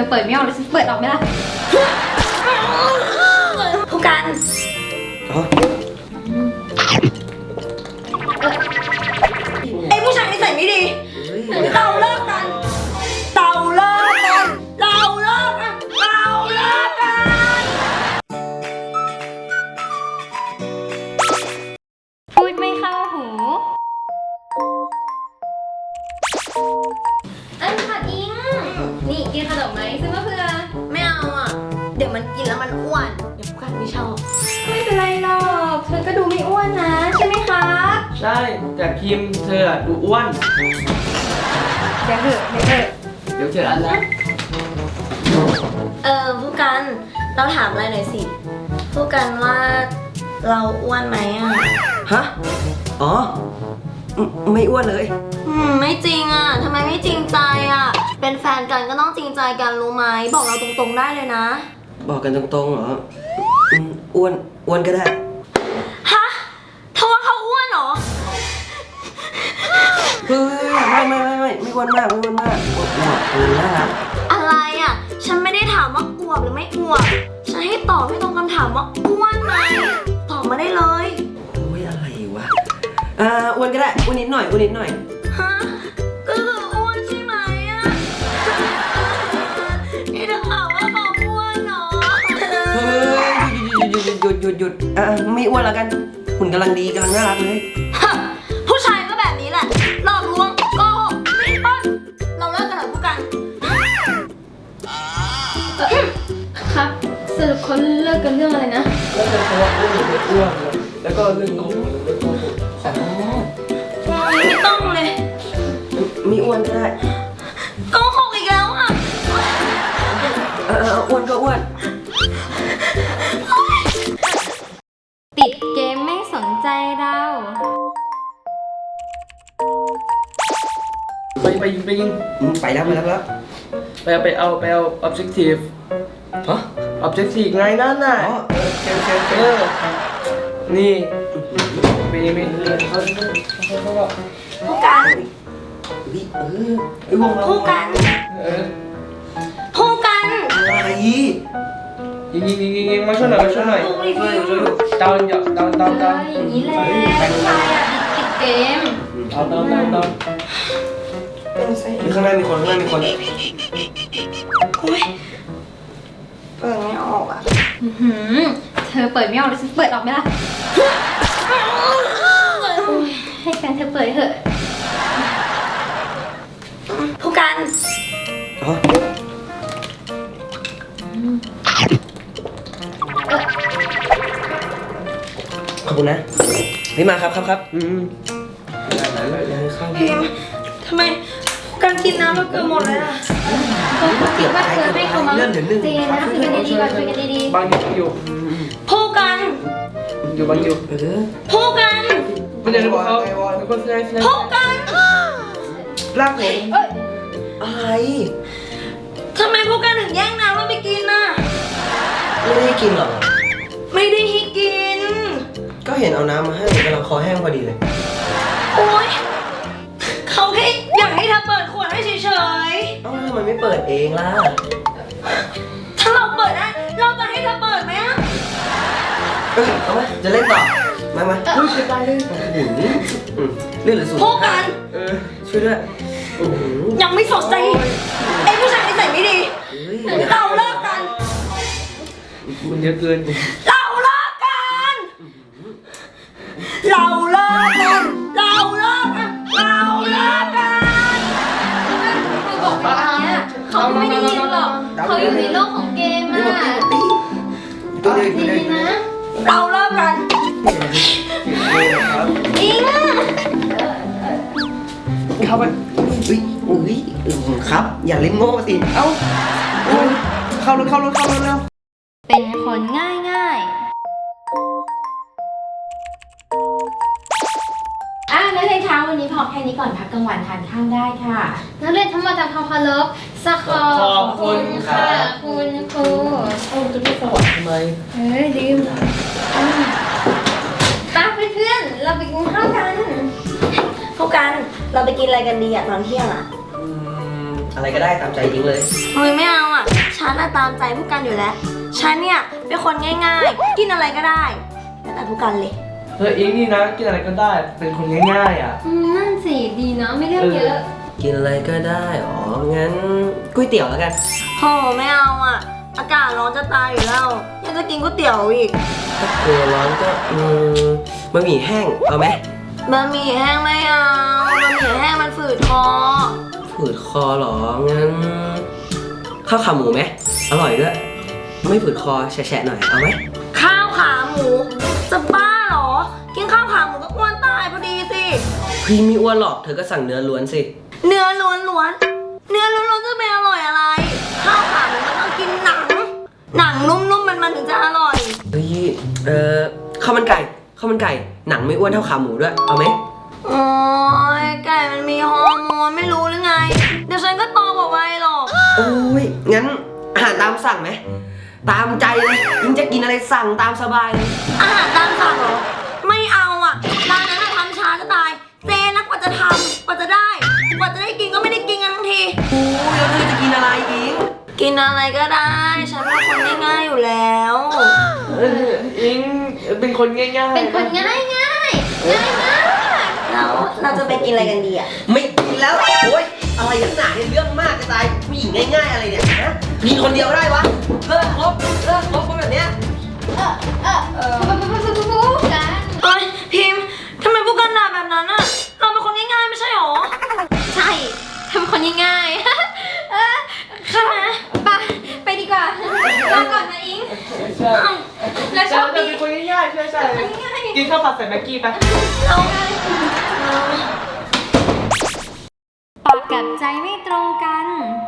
เปิดไม่ออกเลยฉันเปิดออกไหมล่ะผู้กันไอ้ผู้ชายนิสัยไม่ดีเราเลิกกันเราเลิกกันเราเลิกกันเราเลิกกันพูดไม่เข้าหูอันผัดอิงนี่กินขนมไหมซื้อมาเพื่อไม่เอาอ่ะเดี๋ยวมันกินแล้วมันอ้วนเดี๋ยวผู้กันไม่ชอบไม่เป็นไรหรอกเธอก็ดูไม่อ้วนนะใช่ไหมคะใช่แต่พิมเธอดูอ้วนเดี๋ยวเถอะเดี๋ยวเจออันนะผู้กันเราถามอะไรหน่อยสิผู้กันว่าเราอ้วนไหมอ่ะฮะอ๋อไม่อ้วนเลยไม่จริงอ่ะทำไมไม่จริงใจอ่ะเป็นแฟนกันก็ต้องจริงใจกันรู้ไหมบอกเราตรงๆได้เลยนะบอกกันตรงๆเหรออ้วนก็ได้ฮะเธอว่าเขาอ้วนเหรอเฮ้ยไม่อ้วนมากอ้วนน่ารักอะไรอ่ะฉันไม่ได้ถามว่าอวบหรือไม่อวบฉันให้ตอบให้ตรงคำถามว่าอ้วนไหมตอบมาได้เลยโอ้ยอะไรวะอ้วนก็ได้อ้วนนิดหน่อยฮะก็คืออ้วนใช่ไหมอ่ะนี่เธอถามว่าเขาอ้วนเหรอเฮ้ยหยุดไม่อ้วนแล้วกันหุ่นกำลังดีกำลังน่ารักเลยผู้ชายก็แบบนี้แหละหลอกลวงโกหกไม่ป้อนเราเลิกกันเถอะผู้กันครับสรุปเขาเลิกกันเรื่องอะไรนะเลิกกันเพราะว่าอ้วนแล้วก็เรื่องโกหกไม่ต้องเลยมีอ้วนก็ได้โกหกอีกแล้วอ่ะอ้วนก็อ้วนติดเกมไม่สนใจเราไปยิงไปแล้วไปเอา objective ฮะ objective ไงนั่นน่ะนี่ไปผู้กันผู้กันอะไรยิงมาช่วยหน่อยดาวอย่างนี้แหละผู้ชายอ่ะติดเกมดาวข้างหน้ามีคนโอ๊ยเปิดไม่ออกอ่ะเธอเปิดไม่ออกเลยฉันเปิดออกไหมล่ะให้แฟนเธอเปิดเถอะผู้กันขอบคุณนะพี่มาครับพิมทำไมการกินน้ำเราเกินหมดเลยอ่ะเขาคิดว่าเธอให้เขามาเจนะคุยกันดีๆก่อนคุยกันดีๆบางอยู่ผู้กันอยู่บางอยู่ผู้กันไม่ได้บอกเขาผู้กันลากผมอะไรทำไมผู้กันถึงแย่งน้ำเราไปกินน่ะไม่ได้กินหรอไม่ได้ให้กินก็เห็นเอาน้ำมาให้กำลังคอแห้งพอดีเลยโอ๊ยเขาแค่อยากให้เธอเปิดขวดให้เฉยๆทำไมไม่เปิดเองล่ะถ้าเราเปิดได้เราจะให้เธอเปิดไหมอ่ะเอาไหมจะเล่นต่อมาช่วยไปเลยเล่นหรือสูงพูดกันช่วยด้วยยังไม่สดใจไอ้ผู้ชายนิสัยไม่ดีเราเลิกกันมันเยอะเกินเราเลิกกันเขาบอกแบบนี้เขาไม่ได้ยินหรอกเขาอยู่ในโลกของเกมอ่ะดีนะเราเลิกกันอิงเข้าไปครับอย่าเล่นโง่สิเข้ารถแล้วเป็นคนง่ายนักเรียนเช้าวันนี้พอแค่นี้ก่อนพักกลางวันทานข้าวได้ค่ะนักเรียนทั้งหมดทำความเคารพสักขอบคุณค่ะคุณครูจะไม่สวัสดีทำไมลืมป้าเพื่อนเราไปกินข้าวกันพวกกันเราไปกินอะไรกันดีอ่ะตอนเที่ยงอ่ะอะไรก็ได้ตามใจจริงเลยไม่เอาอ่ะฉันน่ะตามใจผู้กันอยู่แล้ว ฉันเนี่ยเป็นคนง่ายๆ กินอะไรก็ได้แล้วแต่ผู้กันเลยอิงนี่นะกินอะไรก็ได้เป็นคนง่ายๆอ่ะนั่นสิดีเนาะไม่เรื่องเยอะกินอะไรก็ได้อ๋องั้นก๋วยเตี๋ยวแล้วกันโหไม่เอาอ่ะ อากาศร้อนจะตายอยู่แล้วยังจะกินก๋วยเตี๋ยวอีกถ้ากลัวร้อนก็บะหมี่แห้งเอาไหมบะหมี่แห้งไม่เอาบะหมี่แห้งมันฝืดคอฝืดคอเหรองั้นข้าวขาหมูไหมอร่อยด้วยไม่ฝืดคอแฉะๆหน่อยเอาไหมข้าวขาหมูจะบ้าเหรอ กินข้าวขาหมูก็อ้วนตายพอดีสิพี่ไม่อ้วนหรอกเธอก็สั่งเนื้อล้วนสิเนื้อล้วนๆเนื้อล้วนๆจะเป็นอร่อยอะไร ข้าวขาหมูมันต้องกินหนัง หนังนุ่มๆมันถึงจะอร่อยเฮ้ยข้าวมันไก่หนังไม่อ้วนเท่าขาหมูด้วยเอาไหมโอ้ยไก่มันมีฮอร์โมนไม่รู้หรือไง เดี๋ยวฉันก็โตกว่าวัยหรอกโอ้ยงั้นอาหารตามสั่งไหมตามใจเลยยิ่งจะกินอะไรสั่งตามสบายเลยอาหารตามสั่งเหรอ ไม่เอาอ่ะ ร้านนั้นทำช้าจะตายเจนักกว่าจะทำกว่าจะได้กินก็ไม่ได้กินกันทั้งทีโอ้ยแล้วเธอจะกินอะไรอิงกินอะไรก็ได้ ฉันเป็นคนง่ายๆอยู่แล้วอิงเป็นคนง่ายๆเป็นคนง่ายมากแล้วเราจะไปกินอะไรกันดีอ่ะไม่กินแล้วโอ้ยอะไรนักหนาเนี่ยเรื่องมากจะตายผู้หญิงง่ายๆอะไรเนี่ยนะกินคนเดียวได้วะเลิกคบคนแบบเนี้ยกันเอ้ยพิมพ์ทำไมพวกกันด่าแบบนั้นอ่ะ เราเป็นคนง่ายๆไม่ใช่หรอใช่ทำคนง่ายๆค่ะไปดีกว่าลาก่อนนะอิงใช่แล้วโชเราคจะดีเป็นคนง่ายๆใช่กินข้าวผัดใส่แม็กกี้ไปปากกับใจไม่ตรงกัน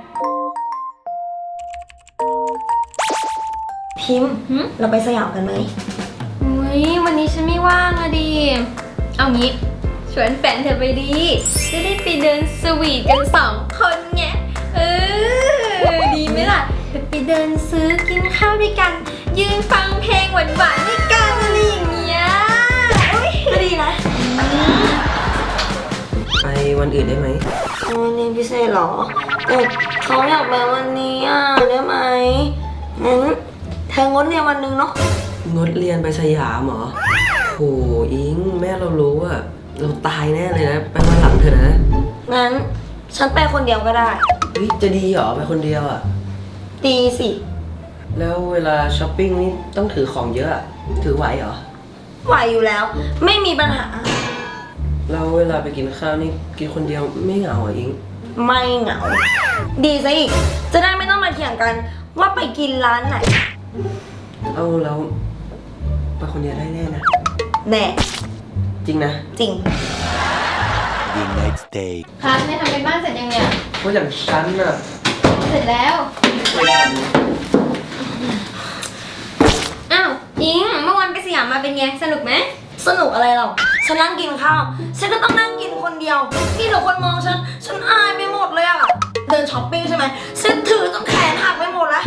พิมพ์เราไปสยามกันไหมอุ้ยวันนี้ฉันไม่ว่างอะดิ เอางี้ชวนแฟนเธอไปดี จะได้ไปเดินสวีทกัน2 คนไงดีไหมล่ะไปเดินซื้อกินข้าวด้วยกัน ยืนฟังเพลงหวานๆด้วยกันอะไรอย่างเงี้ยอุ๊ยก็ดีนะไปวันอื่นได้ไหมวันนี้พิเศษเหรอแต่เขาอยากไปวันนี้อ่ะได้ไหมงั้นเธองดเรียนวันหนึงเนาะงดเรียนไปสยามเหรอโหอิงแม่เรารู้อะเราตายแน่เลยนะไปวันหลังเถอะนะงั้นฉันไปคนเดียวก็ได้เฮ้ยจะดีเหรอไปคนเดียวอะดีสิแล้วเวลาช้อปปิ้งนี่ต้องถือของเยอะอะถือไหวเหรอไหวอยู่แล้ว ไม่มีปัญหาแล้วเวลาไปกินข้าวนี่กินคนเดียวไม่เหงาเหรออิงไม่เหงา ดีซะอีก จะได้ไม่ต้องมาเถียงกันว่าไปกินร้านไหนเอาแล้วไปคนเดียวได้แน่นะแน่จริงนะจริง The next day. ครับเนี่ยทำเป็นบ้านเสร็จยังเนี่ยเพราะอย่างฉันน่ะเสร็จแล้ว อ้าวอิงเมื่อวานไปสยามมาเป็นไงสนุกไหมสนุกอะไรเราฉันนั่งกินข้าว ฉันก็ต้องนั่งกินคนเดียวนี่เดี๋ยวคนมองฉันอายไปหมดเลยอะเดินช้อปปิ้งใช่ไหมฉันถือจนแขนหักไปหมดแล้ว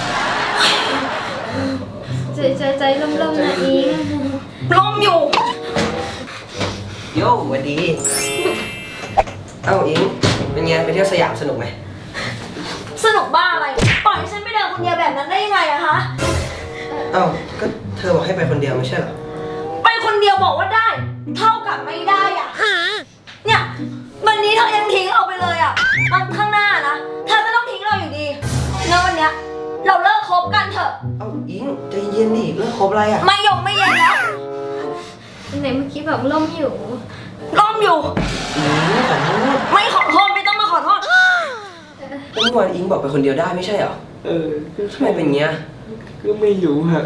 ใจล่มๆนะอิงลมอยู่โย่สวัสดี เอ้าอิงเป็นไงไปเที่ยวสยามสนุกไหมสนุกบ้าอะไร ปล่อยให้ฉันไปเดินคนเดียวแบบนั้นได้ยังไงอะคะเอ้าก็เธอบอกให้ไปคนเดียวไม่ใช่เหรอไปคนเดียวบอกว่าได้ เท่ากับไม่ได้อะเนี่ยวันนี้เธอยังทิ้งเราไปเลยอะวันข้างหน้านะเธอก็ต้องทิ้งเราอยู่ดีงั้นวันเนี้ยเราเลิกคบกันเถอะเอ้าอิงใจเย็นดิเลิกคบอะไรอ่ะไม่ยงไม่เย็นแล้วไหนเมื่อกี้บอกล่มอยู่ล้มอยู่อิงขอโทษไม่ขอโทษไม่ต้องมาขอโทษเมื่อวานอิงบอกไปคนเดียวได้ไม่ใช่เหรอ ทำไมเป็นเงี้ยก็ไม่รู้ฮะ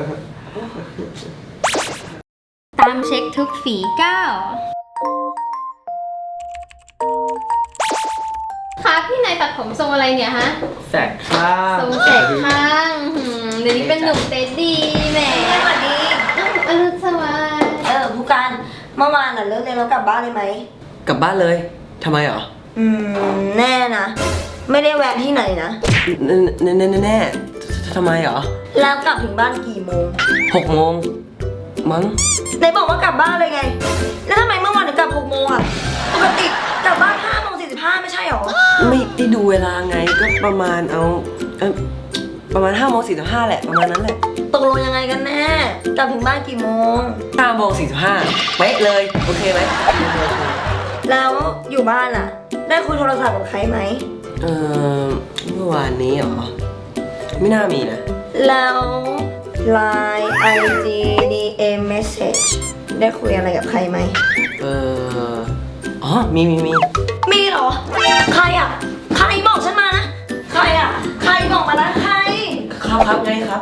ตามเช็คทุกฝีก้าวครับพี่นายตัดผมทรงอะไรเนี่ยฮะแสกข้างทรงแสกข้างเดี๋ยวนี้เป็นหนุ่มเต็ดดีแหมสวัสดีอรุณสวัสดิ์ผู้การเมื่อวานน่ะเลิกเรียนแล้วกลับบ้านเลยไหมกลับบ้านเลยทำไมเหรอแน่นะ ไม่ได้แวะที่ไหนนะแน่ทำไมเหรอแล้วกลับถึงบ้านกี่โมง 6 โมงมั้งไหนบอกว่ากลับบ้านเลยไง แล้วทำไมเมื่อวานถึงกลับ6 โมงอ่ะ ปกติกลับบ้าน5 โมง 45ไม่ใช่หรอไม่ได้ดูเวลาไงก็ประมาณเอาประมาณ5:45แหละประมาณนั้นแหละตกลงยังไงกันแน่กลับถึงบ้านกี่โมง 5:45เป๊ะเลยโอเคไหมแล้วอยู่บ้านอะได้คุยโทรศัพท์กับใครไหมเมื่อวานนี้เหรอไม่น่ามีนะแล้ว Line IG DM Message ได้คุยอะไรกับใครไหมอ๋อมีมีเหรอ ใครอะใครบอกฉันมานะ ใครอะใครบอกมานะใครครับไงครับ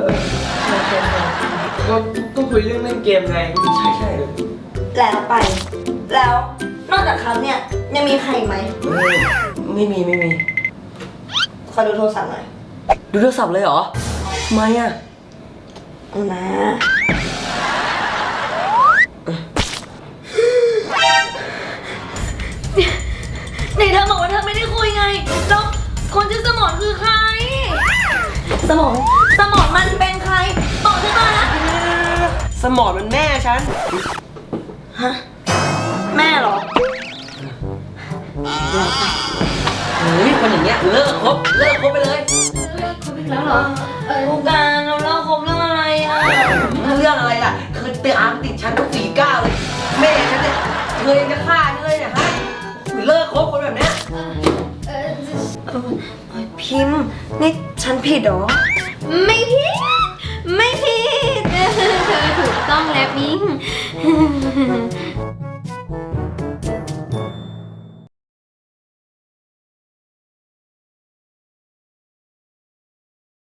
ก็คุยเรื่องเล่นเกมไงใช่แล้วไป แล้วนอกจากเขาเนี่ยยังมีใครอีกไหมไม่มีขอดูโทรศัพท์หน่อยดูโทรศัพท์เลยเหรอทำไมอ่ะเอานะนี่เธอบอกว่าเธอไม่ได้คุยไง แล้วคนชื่อสมอนคือใคร สมอนมันเป็นใคร บอกฉันมานะสมองมันแม่ฉันฮะ แม่เหรอเฮ้ยคนอย่างเงี้ยเลิกคบไปเลยแล้วเหรอผู้การเราเล่าคบเรื่องอะไรอ่ะเรื่องอะไรล่ะเคยไปอาร์มติดฉันต้อง49เลยแม่ฉันเนี่ยเคยจะฆ่าฉันเลยเนี่ยฮะเลิกคบคนแบบเนี้ยพิมพ์ นี่ฉันผิดเหรอไม่ผิด ไม่ผิด เธอถูกต้องแล้วมิ้ง